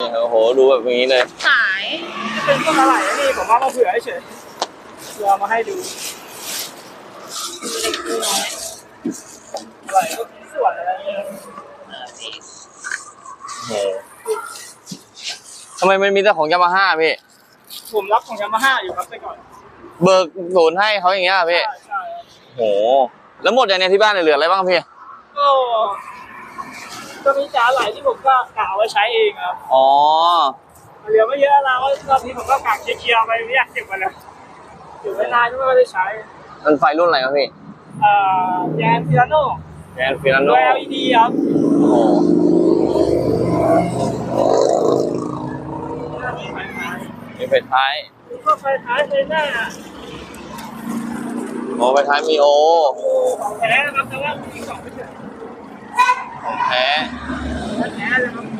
โอ้โหดูแบบนี้เลยขายเป็นต้นอะไรนี่ผมว่ามาเผื่อเฉยเผื่อมาให้ดูอะไรก็มีส่วนอะไรเนี่ยโอ้ทำไมมันมีแต่ของยามาฮ่าพี่ผมรับของยามาฮ่าอยู่ครับแต่ก่อนเบิกศูนย์ให้เขาอย่างเงี้ยพี่ใช่โอ้โหแล้วหมดอย่างเนี้ยที่บ้านเหลืออะไรบ้างพี่ก็มีจ๋าไหลที่ผมก็กะเอาไว้ใช้เองครับอ๋อเหลือไม่เยอะแล้วรอบนี้ผมก็กะเคลียร์ไปไม่อยากเก็บมาแล้วเก็บไว้นานก็ไม่ได้ใช้มันไฟรุ่นอะไรครับพี่แกนฟิลาโน่แกนฟิลาโน่ตัว LED ครับโอ้โหหน้านี้ไฟท้ายมีไฟท้ายก็ไฟท้ายไฟหน้าโอ้ไฟท้ายมีโอของแท้นะครับแต่ว่ามีของไม่เฉยของแท้แท้เลยครับ